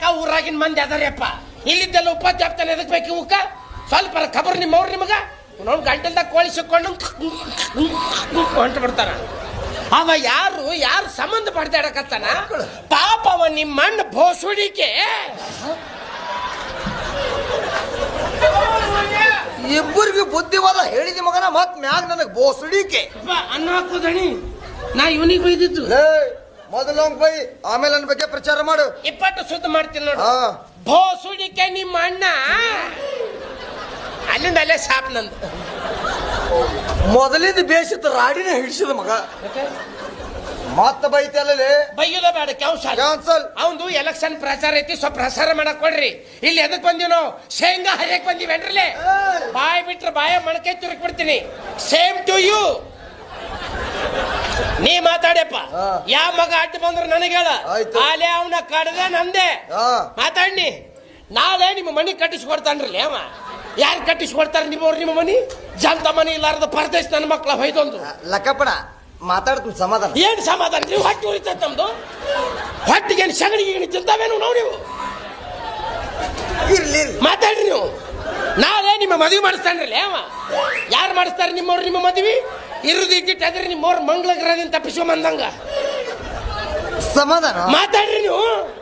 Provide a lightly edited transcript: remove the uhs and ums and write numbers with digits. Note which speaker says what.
Speaker 1: ಊರಾಗಿನ ಮಂದಿ ಅದಾರಪ್ಪ. ಇಲ್ಲಿದ್ದೆಲ್ಲ ಉಪಾಧ್ಯಾಪ್ತಾನೆ ಎದಕ್ ಬೇಕು ಇವಕ್ಕ? ಸ್ವಲ್ಪ ಖಬರ್ ನಿಮ್ಮವ್ರು ನಿಮಗ ಅವ್ನು ಗಂಟಲ್ದಾಗ ಕೋಳಿ ಸಿಕ್ಕೊಂಡು ಹೊಂಟು ಬಿಡ್ತಾನ. ಅವ ಯಾರು ಸಂಬಂಧ ಪಡ್ದಾಡಕತ್ತಾನ ಪಾಪ. ಅವ ನಿಮ್ಮಣ್ಣ ಬೋಸುಡಿಕೆ
Speaker 2: ಇಬ್ಬರಿಗೆ ಬುದ್ಧಿವಾದ ಹೇಳಿದ ಮಗನ ಮತ್ ಮ್ಯಾಗ ನನಗ್ ಬೋಸುಡಿಕೆ
Speaker 1: ಅನ್ನ ಹಾಕೋದಣಿ. ನಾ ಇವನಿಗೆ ಬೈದಿದ್ದು
Speaker 2: ಮೊದಲು ಬೈ, ಆಮೇಲೆ ನನ್ನ ಬಗ್ಗೆ ಪ್ರಚಾರ ಮಾಡು.
Speaker 1: 20 ಸುದ್ದಿ ಮಾಡ್ತೀನಿ ನೋಡು. ಬೋಸುಡಿಕೆ ನಿಮ್ಮ ಅಣ್ಣ ಅಲ್ಲಿಂದ ಅಲ್ಲೇ ಸಾಪ್ ನಂದು.
Speaker 2: ಮೊದಲಿಂದ ಬೇಸಿತ್ತು ರಾಡಿನ ಹಿಡಿಸಿದ ಮಗ ಮತ್ತ ಬೈತಲ್ಲೇ.
Speaker 1: ಬೈಯೋದ ಬೇಡ, ಕ್ಯಾನ್ಸಲ್. ಅವಂದು ಎಲೆಕ್ಷನ್ ಪ್ರಚಾರ ಐತಿ, ಸ್ವಲ್ಪ ಪ್ರಸಾರ ಮಾಡಕ್ ಕೊಡ್ರಿ. ಇಲ್ಲಿ ಎದಕ್ ಬಂದಿವ್ ನಾವು? ಶೇಂಗಾ ಹರಿಯಕ್ ಬಂದಿವೇನ್ರಲ್ಲೇ? ಬಾಯ್ ಬಿಟ್ರೆ ಬಾಯ ಮಣಕೈ ತುರುಕ್ ಬಿಡ್ತೀನಿ. Same to you. ನೀ ಮಾತಾಡ್ಯಪ್ಪ. ಯಾವ ಮಗ ಅಡ್ಡ ಬಂದ್ರು ನನಗೆ ಹೇಳ. ಆಲೆ ಅವನ ಕಡ್ದೆ ನಂದೆ ಮಾತಾಡ್ನಿ. ನಾಳೆ ನಿಮ್ಮ ಮನಿ ಕಟ್ಟಿಸ್ಕೊಡ್ತಾನ್ರಲ್ಲ ಅವ. ಯಾರು ಕಟ್ಟಿಸ್ಕೊಡ್ತಾರ ನಿಮ್ಮವ್ರು? ನಿಮ್ಮ ಮನಿ ಜಂತ ಮನಿ ಇಲ್ಲಾರದ ಪರದೇಶ ನನ್ನ ಮಕ್ಳ ಹೊಯ್ದೊಂದು
Speaker 2: ಲಕ್ಕಪ್ಪಣ ಮಾತಾಡ್ತೀನಿ. ಸಮಾಧಾನ
Speaker 1: ಏನ್ ಸಮಾಧಾನ? ನೀವು ಹೊಟ್ಟೆ ಉಳಿತೈತೆ ನಮ್ದು. ಹೊಟ್ಟಿಗೇನು ಸಗಣಿಗೆ ತಿಂತಾವೇನು ನಾವು? ನೀವು ಮಾತಾಡ್ರಿ. ನೀವು ನಾಳೆ ನಿಮ್ಮ ಮದುವೆ ಮಾಡಿಸ್ತಾನ್ರಲ್ಲ ಅವ. ಯಾರು ಮಾಡಿಸ್ತಾರೆ ನಿಮ್ಮವ್ರು? ನಿಮ್ಮ ಮದುವೆ ಇರುದಿಟ್ಟಿದ್ರೆ ನಿಮ್ಮವ್ರ ಮಂಗಳ ಗ್ರಹದಿಂದ ತಪ್ಪಿಸ್ಕೊಂಬಂದಂಗ
Speaker 2: ಸಮಾಧಾನ
Speaker 1: ಮಾತಾಡ್ರಿ ನೀವು.